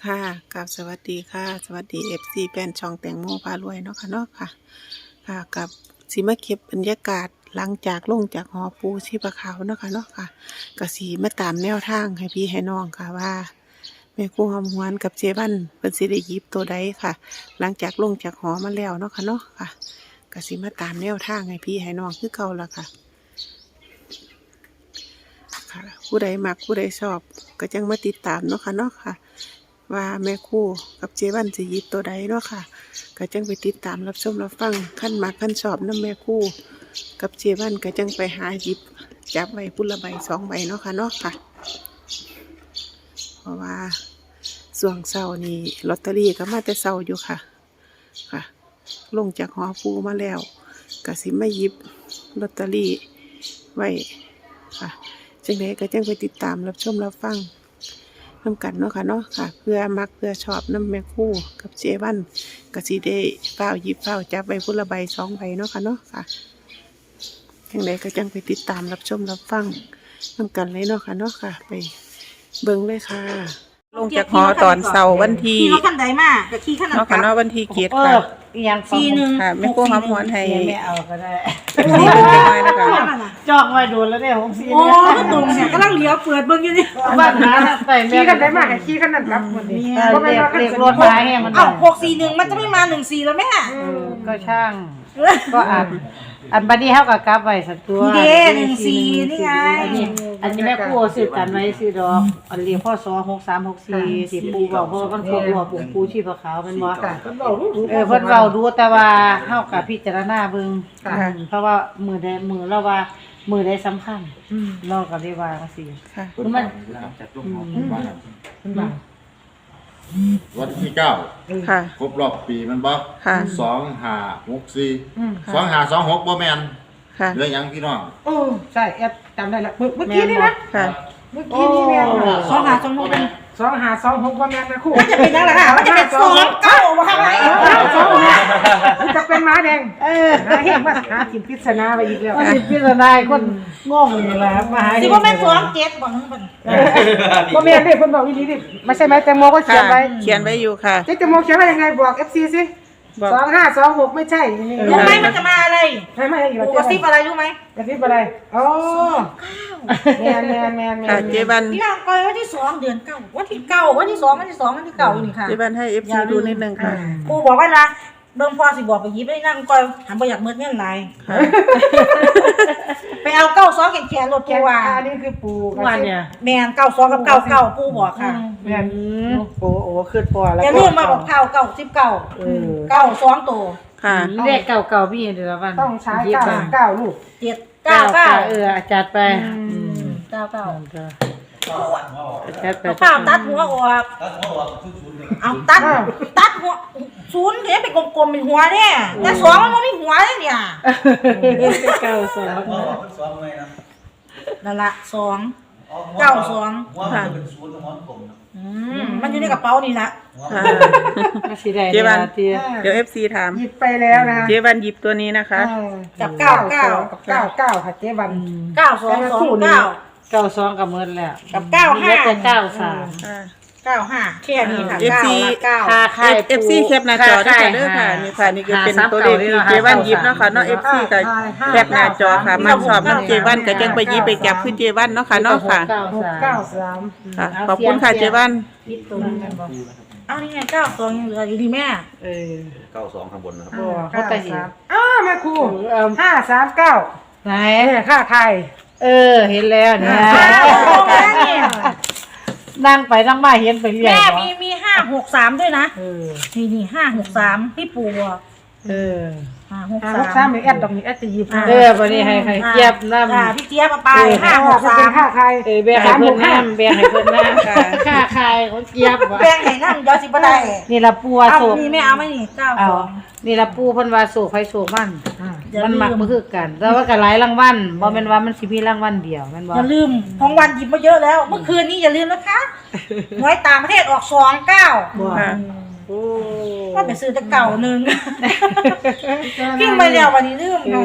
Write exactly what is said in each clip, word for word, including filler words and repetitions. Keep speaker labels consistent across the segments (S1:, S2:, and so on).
S1: ค่ะกับสวัสดีค่ะสวัสดีเอฟซีแฟนช่องแตงโมพารวยเนาะค่ะเนาะค่ะค่ะกับสีมาเก็บบรรยากาศหลังจากลงจากหอปูชีพขาวเนาะค่ะเนาะค่ะกับสีมาตามแนวทางให้พี่ให้น้องค่ะว่าแม่ครูหอมหวนกับเจวันเป็นสิได้หยิบตัวใดค่ะ หลังจากลงจากหอมาแล้วเนาะค่ะเนาะค่ะกับสีมาตามแนวทางให้พี่ให้น้องคือเก่าละค่ะค่ะผู้ใดมักผู้ใดชอบก็จังมาติดตามเนาะค่ะเนาะค่ะว่าแม่ครูกับเจวันสิหยิบตัวใดเนาะค่ะก็จังไปติดตามรับชมรับฟังขั้นมักขั้นชอบน้ำแม่ครูกับเจวันก็จังไปหาหยิบจับใบพุละใบสองใบเนาะค่ะเนาะค่ะเพราะว่าส่วงเสาร์นี้ลอตเตอรี่ก็มาแต่เสาร์อยู่ค่ะค่ะลงจากหอปูมาแล้วก็สิมาหยิบลอตเตอรี่ไว้ค่ะจังไดก็จังไปติดตามรับชมรับฟังนำกันเนาะค่ะเนาะค่ะเพื่อมักเพื่อชอบน้ำแม่คู่กับเจวันกสิได้เฝ้าหยิบเฝ้าจับใบพุละใบสองใบเนาะค่ะเนาะค่ะจังไดก็จังไปติดตามรับชมรับฟังนำกันเลยเนาะค่ะเนาะค่ะไปเบิ่งเลยค่ะลงจากหอตอนเสาร์วันที่
S2: ขี่รถคันใดมาก็ขี่คันนั้น
S1: เนาะค่ะเนาะวันที่เกียรติ
S3: เอ
S1: ค่ะ
S3: ออย่าง
S2: สี่หนึ่ง
S1: ค่ะแม่คู่หอมหวนให้
S3: ไม่เอาก็ได้
S1: สี่เบิ่งจังไว้นะคะ
S3: จองไว้โดนแล้วเนี่ยหกสี่
S2: โอ้
S3: เนี่ย
S2: ตรงเนี่ยกำลังเลี้ยวเปิดเบิ่งอยู่นี่
S3: บ้านหาใส่
S4: ขี่กันได้มากกับขี่กันนั่นรับหมดนี่
S3: เออเรียกเรียกรถมาให้มัน
S2: เอ้าหกสี่หนึ่งมันจะไม่มาหนึ่งสี่แล้วแม่
S3: เออก็ช่าง ก็อันอันบัดนี้เฮาก็กลับไว้สักตัว
S2: นี่เด้หนึ่งสี่นี่ไง
S3: อันนี้อันนี้แม่ครูซื้อกันไว้ซื้อดอกอันเรียกพ่อสอหกสามหกสี่สิปูบอกเพราะว่ามันครบรอบปู่ปูชีพขาวมันบ่
S4: เพิ่นบอกรู้รู้
S3: เออเพิ่นเว้าดูแต่ว่าเฮาก็พิจารณาเบิ่ง
S4: ค่ะ
S3: อืมเพราะว่ามือใดมือเราว่ามือใดสำคัญ
S4: อืม
S3: เราก็ได้ว่าจังซี่
S1: ค่ะ
S3: คือมัน
S5: จากลูกหอมบ้าน
S4: เพิ่นบอก
S5: วันที่เก้า
S1: ค่ะ
S5: ครบรอบปีมันบ่
S1: ค่ะ
S5: สองห้าหกสี่
S4: อืม
S5: สองห้าสองหกบ่แม่น
S1: ค่ะ
S5: เหลือหยังพี่น้อง
S4: โอ้ใช่แอดจำได้ละเมื่อเมื่อกี้นี่นะ
S1: ค่ะ
S4: เมื่อกี้นี่แม่น
S2: สองหาสองหกเป็น
S4: สองหาสองหกว่าแม่นนะคู่
S2: มันจะเป็นนั่นแหละค่ะมันจะเป็นสองเก้ามาข้างใน
S4: สองหามันจะเป็นม้าแดงเออหาเห็นว่าหากินพิษณาไปอีกแล้ว
S3: ว่าสิพิจารณาคนงงนี่แหละมาหา
S2: สิว่าแม่นสองเจ็ดบอกนึงเป็น
S4: ว่าแม่นดิเพิ่นบอกอีหลีดิไม่ใช่ไหมแตงโมก็เขียน
S1: ค่ะ
S4: ไว้
S1: เขียนไว้อยู่ค่ะ
S4: เจ๊แตงโมเขียนไว้ยังไงบอก เอฟ ซี สิ
S1: บอก
S4: สองห้าสองหกไม่ใช่นี่
S2: รู้ไหมมันจะมาอะไร
S4: ใช่ไหมอีก
S2: ปูกระซิบอะไรรู้ไหม
S4: กระซิบอะไรอ๋อแม่นแม่นแม่นแม่
S1: ค่ะ
S4: น
S1: เจวัน
S2: พี่นางก้อยวันที่สองเดือนเก้าวันที่เก้าวันที่สองวันที่สองวันที่เก้าอยู่นี่ค่ะ
S1: เจวันให้เอฟซีดูนิดนึงค่ะ
S2: ปูบอกว่านะเบิ่งพอสิบอกไปหยิบไอ้นั่งก้อยหันไปอยากเมิดเงินไหล
S1: ค่ะ
S2: ไปเอาเก้าซองแขนแขนรถ
S4: แก
S2: ปูว่า
S4: อันนี้คือปูกระ
S3: วัน
S4: ซิบ
S3: เนี่ย
S2: แมนเก้าซองกับเก้าเก้าปูบอกค่ะ
S4: แม่น
S3: อืมโอ้โอ้ขึ้นพอแล้ว
S2: อย่าลืมมาบอกเก้าเก้าสิบเก้า
S3: เออ
S2: เก้าสองตัว
S1: ค่ะ
S3: เลขเก่าๆพี่เดี๋ยวละวัน
S4: ต้องใช้
S3: ยิบ
S4: เก้า
S3: ไป
S4: เก้าลูก
S2: เจ็ดเก้าเก้า
S3: เออจัดไป
S2: เก้าเก้า
S3: จัดไป
S2: ข้าวตัดหัวออกเอาตัดตัดหัวศูนย์เดี๋ยวไปกลมๆเป็นหัวเนี่ยแต่สองมันไม่มีหัวเลยเนี่ย
S3: เก้าสอง
S2: นั่นละสองเก้าสอง
S1: ค่ะ
S2: อืมมันอยู่ในกระเป๋านี่ละ
S1: ค่ะ
S3: สีแดง
S1: เจ๊วัน
S3: เตี้ย
S1: เดี๋ยวเอฟซีถาม
S4: หยิบไปแล้วนะ
S1: เจวันหยิบตัวนี้นะคะ
S2: กับเก้าเก้า
S4: กับเก้าเก้าค่ะเจ๊วัน
S2: เก้าสองสองเก้า
S3: เก้าสองกับเมินแล้ว
S2: กับเก้าห้า
S3: แล้วแต่เก้าสาม
S1: ค่ะ
S2: เก้าห้าแค่นี้ค่ะ
S1: เอฟ
S2: เก้า
S1: ซี
S2: ละเก้า
S3: ค่าค่าย
S1: เอฟซีแคปหน้าจอด้วยค่ะเด้อค่ะนี่ค่ะนี่ก็เป็นตัวเลขที่เจวันหยิบเนาะค่ะเนาะเอฟซีก็แคปหน้าจอค่ะมันสอบน้ำเจวันก็จังไปหยิบไปจับขึ้นเจวันเนาะค่ะเนาะค่ะ
S3: เก้า
S4: หก
S3: สาม
S4: เก้าสาม
S1: ค่ะขอบคุณค่ะเจวัน
S3: พิษตัวนี้กันบ่
S2: เอานี่ไงเก้าสองยังเหลืออยู่ดีแม่
S3: เออ
S6: เก้าสองข้างบนนะครับ
S3: บ่
S4: เก้า
S3: เขาไปเห็น
S4: สามอ้าแม่ครู
S3: เออ
S4: ห้าสามเก้า
S3: ไหน
S4: เนี่ยค่าไทย
S3: เออเห็นแล้วเนี่ย
S2: แม่นี่
S3: นั่งไปนั่งมาเห็นไปเรื่อย
S2: แม่
S3: บ่
S2: มีมีห้าหกสามด้วยนะ
S3: เออ
S2: นี่นี่ห้าหกสามพี่ปู่บอก
S3: เออ
S2: ห้าหก
S4: อ่า
S2: สา
S4: ลูกสาม มนี่แอดดอกนี่แอดจะหยิบ
S3: เออวันนี้ให้ให้เจี๊ยบน้ำ
S2: อ่าพี่เจี๊ยบเอาไป
S4: เออ
S2: ห้าหก
S4: จะ
S2: สา
S4: เป็น
S2: ม
S4: ค่าไทย
S3: เออแบ่งให้เพิ่นน้ำแบ่งให้เพิ่นน้ำ
S1: ค่ะ
S3: ค่าคายของเจี๊ยบว่ะ
S2: แบ่งให้นั่งเดี๋ยวสิบ่ได้
S3: นี่ละปู
S2: เอา
S3: โศก
S2: นี่ไม่เอาไม่นี่เก้า
S3: เอา
S2: สอง
S3: นี่ละปูเพิ่นว่าโศกไผโศกมัน
S4: อ่า
S2: อย่า
S3: มัน
S2: ลื
S3: มัก
S2: ม
S3: บ่คือกัน แต่ว่าก็หลายรางวัลบ่แม่นว่ามันสิมีรางวัลเดียวแม่นบ่
S2: อย่าลืมของวันหยิบมาเยอะแล้ว เมื่อคืนนี้อย่าลืมนะคะหวยต่างประเทศออกสองเก้า
S3: บ่
S1: ค่ะ
S3: โอ้
S2: ก็ไปซื้อแต่เก่าหนึ่งพิมพ์ไปแล้ววันนี้ลืม
S3: เอ
S2: เนาะ
S3: อ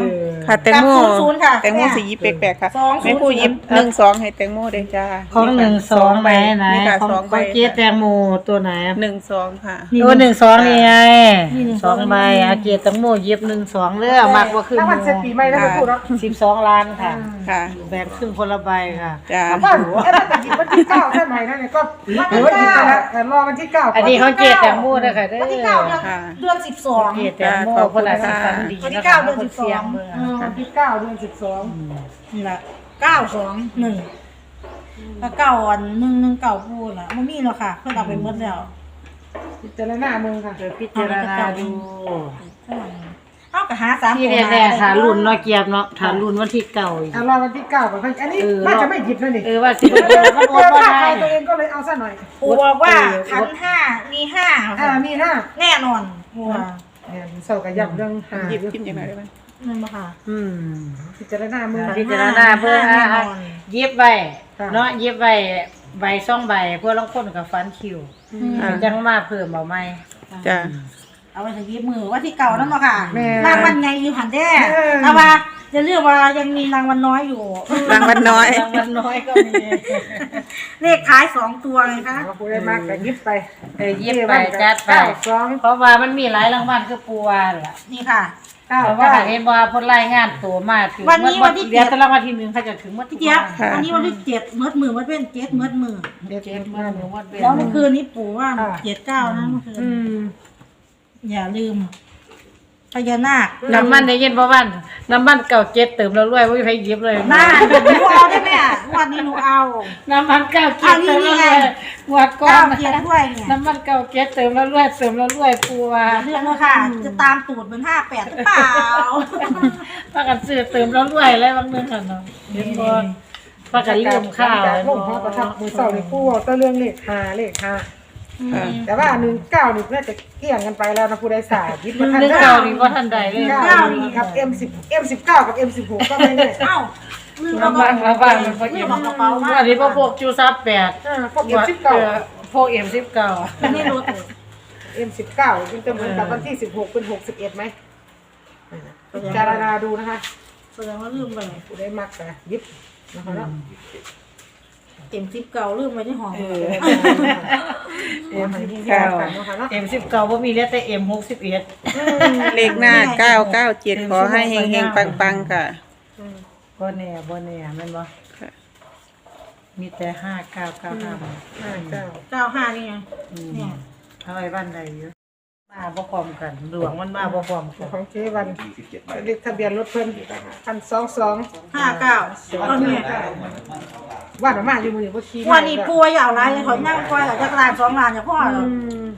S1: ค่ะแตงโม
S2: กับศูนย์ค่ะ
S1: แตงโมสียิบแปลกๆค่ะ
S2: สองศูนย์
S1: แม่ครูยิบหนึ่งสองให้แตงโมเด้อจ้า
S3: ของหนึ่งสองไหนไหน
S1: นี่ค่ะ
S3: ของ
S1: สองใบ
S3: ของเจ๊แตงโมตัวไหน
S1: หนึ่งสองค่ะ
S3: โอ้หนึ่งสองนี่ไง
S2: นี่หนึ่ง
S3: ส
S2: ส
S3: อ
S2: อง ง
S3: ใบอาเกียรติแตงโมเย็บหนึ่งสองเรื่องมากกว่าครึ่ง
S4: แล้วมันเสร็จปีใหม่แล้วก็พูดเนาะ
S3: สิบสองล้านค่ะ
S1: ค่ะ
S3: แบ่งครึ่งคนละใบค่ะ
S1: จ้า
S4: ถ้าเอ้ถ้าหยิบวันที่เก้าใช่ไหมนั่นเนี่ยก็หรือว่าหยิบไปแล้วแต่รอวันที่เก้า
S3: อันนี้เขาเจ๊แตงโมด้วยค่ะเด้อ
S2: วันที่เก้าเดือน
S1: ค่ะ
S2: เดือนสิบสอง
S3: เกียรติแตงโมคนละสิบสามดี
S2: วันที่
S3: นะ
S2: เก้า
S3: คะ
S2: เดือน
S3: ค
S2: สิ
S3: น
S2: บส
S3: เสีย
S2: อง ง
S3: เมือง
S4: เออวันที่เก้าเดือนสิบสอง
S2: นี่แหละเก้าสองหนึ่งแล้วเก้าอันหนึ่งหนึ่งเก้าพูดละมันมีแล้วค่ะเพิ่นเอาไปหมดแล้ว
S4: พิจารณาเมืองค่ะ
S3: เดี๋ยวพิจารณาดู
S2: เอากระหาสาม
S3: ที่
S2: ตัว
S3: แน่ๆฐานรุ่นเนาะเกียบเนาะฐานรุ่นวันที่เก่าอีก
S4: อ่ะรอวันที่เก้าก่อนอันนี้
S3: เออ
S4: น่าจะไม่หยิบแล้วนี่
S3: เออว่าสิ
S4: เอ
S3: เอ
S4: อ
S3: อมันโอนบ่
S4: ถ้า
S3: ได้
S4: ใครตัวเองก็เลยเอาซะหน่อย
S2: ปูบอกว่าขันห้ามีห้า
S4: อ่ามีห้า
S2: แน่นอนปูว่า
S4: เนี่ยเศร้ากับยับเรื่องหา
S1: หยิบกินยังไงได้ไหม
S2: นั่นบ่ค่ะ
S3: อืม
S4: พิจารณาเมือง
S3: พิจารณาเพื่อ
S2: แน่นอน
S3: เย็บไว้
S4: ค่ะ
S3: เนาะเย็บไว้ใบสองใบเพื่อลางคนกับฟันคิว
S1: อ่า
S3: จังมาเพิ่มเอาไหม
S1: จ้า
S2: เอาไปถึงยิบมือว่าที่เก่านั่นบ่ค่ะ
S4: แม่
S2: รางวัลไงอยู่หันแท้
S4: เออ
S2: เอาว่าจะเรียกว่ายังมีรางวัลน้อยอยู่
S1: รางวัลน้อย
S3: รางวัลน้อยก็มี
S2: เลขท้ายสองตัวไงคะ
S4: เอาผู้ได้มากก็ยิบไป
S3: เออเย็บไปจัดไป
S4: เก้าสอง
S3: เพราะว่ามันมีหลายรางวัลคือปูวาล่ะ
S2: นี่ค่ะ
S4: เก้า
S3: เพราะว่า
S4: เก้า
S3: เห็นว่าพ้นรายงานตัวมาถึง
S2: วันนี้วันที่เจ็ด
S3: เดี๋ยวจะรางวัลที่หนึ่งเขาจะถึงวันที่
S2: พี่เจี๊ยบ
S1: ค่ะ
S2: อันนี้วันที่เจ็ดเมืดมือเมืดเป็นเจ็ดเมืดมือ
S4: เด็ด
S3: เจ็
S4: เจ็
S3: ด
S4: ด
S3: มื่
S4: มาน
S3: หนึ่งวันเป็น
S2: แล้วเมื่อคืนนี้ปู่ว่า
S4: อ่า
S2: เจ็ดเก้านะเมื่อคืน
S4: อืม
S2: อย่าลืมพญานาค
S3: น้ำมันได้ยินบ่บ้านน้ำมันเก่าเจ็ดเติมแล้วรวยไม่มีใครหยิบเลย
S2: หน้าหนูเอาได้ไหมอ่ะวันนี้หนูเอา
S3: น้ำมันเก่าเจ็ดเติมแล้วรวยงวดก่อ
S2: เก้าน เจ็ดด้วยเนี่ย
S3: น้ำมันเก่าเจ็ดเติมแล้วรวยเติมแล้วรวยปูว่า
S2: เรื่องเลยค่ะ จะตามตูดเป็นห้าแปดหรือเปล่า
S3: พากันซื้อเติมแล้วรวยอะไรบางเรื่องกันเนาะเห็นบ่พากันลืมข้าว
S4: จากลงหัวประทับมือเสาในผู้ตัวเรื่องเลขหาเลขหา
S1: ค่ะ
S4: แต่ว่าหนึ่งเก้านี่น่าจะเกี่ยงกันไปแล้วนะผู้ใดสายยิบมาทัน
S3: เรื่องเก่านี่บ่ทันใดเลย
S4: เก้านี่ครับ เอ็ม สิบ เอ็ม สิบเก้า กับ เอ็ม สิบหก ก็ไม่แน่
S2: เอ้าลืม
S3: ระวังระวังมันบ่
S2: ลื
S3: อิ่
S2: ม
S3: ม
S2: เอากระเป๋ามา
S3: อันนี้บ่พวกจูซับแปด
S4: อ่าพวก เอ็ม สิบเก้า
S3: พวก เอ็ม สิบเก้า
S2: ไม่รู้ตัว
S4: เอ็ม สิบเก้าจึงจะเหมือนกับวันที่สิบหกเป็นหกสิบเอ็ดไหมอ่าพิจารณาดูนะคะ
S2: แสดงว่าลืมไป
S4: ผู้ใดมักแต่ยิบนะคะเนาะ
S2: เต็มซิปเก่าลืมไว้ที่ห้อง
S1: เออ
S4: เอ็มสิบเก้ากันนะคะเนาะ
S3: เอ็มสิบเก้าบ่มีเหลือแต่เอ็มหกสิบเอ็ด
S1: เลขหน้าเก้าเก้าเจ็ดขอให้เฮงๆปังๆค่ะ
S3: บ่แน่บ่แน่แม่นบ่
S1: ค่ะ
S3: มีแต่ห้าเก้าเก้าห้า
S4: ห้าเก้า
S2: เก้าห้านี่ไง
S3: อืม
S2: เนี่ย
S3: เอาไว้บ้านใดอยู่มาบ่พร้อมกันหลวงมันมาบ่พร้อมกัน
S4: ของเจวันเลขทะเบียนรถเพิ่นพันสองสอง
S2: ห้าเก้าเอาเนี่ย
S4: ว่าหนูมาอยู่มือว่าขี้
S2: วันนี้ป่วยอย่างไรขอนั่งคอยจากลานสองลานจากพ่อ
S4: อืม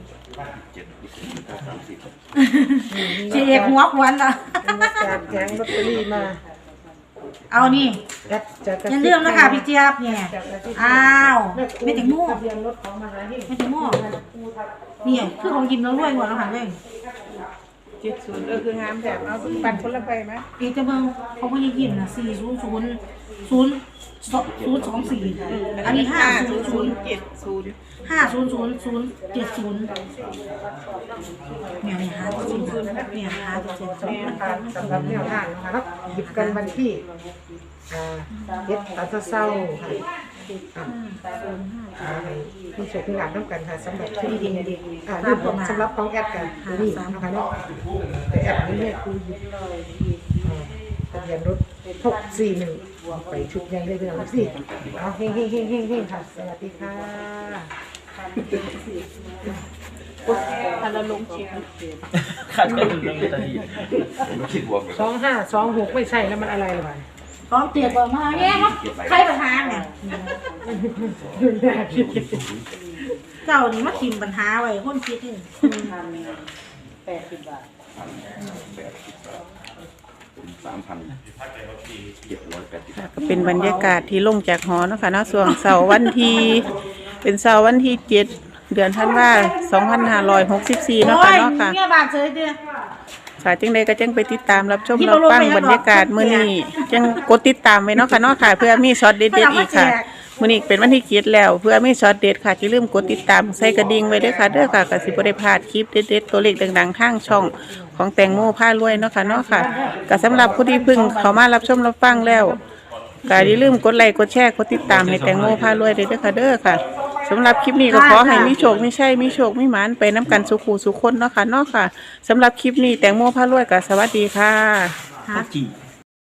S2: เสียหัวควันละ
S4: เป็นมาจากแกงลอตเตอรี่มา
S2: เอานี่
S4: แอดจะกระ
S2: อย่า
S4: ซิบ
S2: เรื่องนะคะพี่เจี๊ยบเนี่ยอ้าวไม่ถึงมู่
S4: ทะเบียนรถของมหาหิ่ง
S2: ไม่ถึงมู่เนี่ยคือของยิมแล้วรวยหมดแล้วค่ะเลย
S1: เจ็ดศูนย์เออคืองามแบบเอาปั่นคนละใบไหม
S2: อีกจะเบิ่งเขาก็ยังยิมนะสี่ศูนย์ศูนย์ศูนย์ศูนย์สองสี่อันนี้ห้าศูนย์ศูนย์
S1: เจ็ดศูนย์
S2: ห้าศูนย์ศูนย์ศูนย์เจ็ดศูนย์เนี่ยเนี่ยห้าศูนย์ศูนย์เนี่ยห้าเจ็ดศูนย์
S4: นะคะสำหรับแนวทางนะคะเนาะหยิบกันวันที่อ่าเย็ดตาเศร้าๆค่ะอ่าอ่าผู้โชคดีหลานน้ำกันค่ะสำหรับที่ดีอ่าเรื่องของสำหรับของแอดกันนี่นะคะเนาะแต่แอดนี้เนี่ยคือหยิบอ่าทะเบียนรถหกสี่หนึ่งไปชุดยังได้เป็นอะไรสิเอาเฮงเฮงเฮงเฮงเฮงค่ะสวัสดีค่ะ
S1: ถ้าเราลงเชียง
S6: ข้าจะดูเรื่องลอตเตอรี่ไม่คิดบวกเลย
S4: สองห้าสองหกไม่ใช่แล้วมันอะไรหรือเปล่า
S2: พร้อมเตียบอกมาแย่มั้งใครปัญหาเนี่ยเจ้านี่มาคิมปัญหาไว้คนคิดนี่
S3: แปดสิบบาท
S6: สามพันเจ็ดร้อยแปดสิบ
S1: ค่ะก็เป็นบรรยากาศที่ลงจากหอเนาะคะเนาะส่วนเสาร์วันที่เป็นเสาร์วันที่เจ็ดเดือนธันวาสองพันห้าร้อยหกสิบสี่เนาะ
S2: โอ้
S1: ค่ะ
S2: ย
S1: เนาะค่ะ
S2: เนี่ยบาดเฉยเดียว
S1: ค่ะจังใดก็จังไปติดตามรับชม
S2: ที่
S1: รับ
S2: เราลง
S1: ฟัง
S2: ไปแล้ว
S1: บรรยากาศมื้อนี้จังกดติดตามไว้เนาะค่ะเนาะค่ะ เพื่อมีช็อตเด็ดๆอีกค่ะมื้อนี้เป็นวันที่เจ็ดแล้วเพื่อมีช็อตเด็ดค่ะอย่าลืมกดติดตามใส่กระดิ่งไว้ด้วยค่ะเด้อค่ะก็สิบ่ได้พลาดคลิปเด็ดๆตัวเลขดังๆทางช่องของแตงโมพารวยเนาะค่ะเนาะค่ะก็สำหรับผู้ที่เพิ่งเข้ามารับชมรับฟังแล้วก็อย่าลืมกดไลค์กดแชร์กดติดตามให้แตงโมพารวยด้วยเด้อค่ะเด้อค่ะสำหรับคลิปนี้ก็ขอให้มีโชคมีชัยมีโชคมีหมานไปน้ำกันสุขูสุขคนเนาะค่ะเนาะค่ะสำหรับคลิปนี้แตงโมพารวยก็สวัสดีค่ะ
S6: จี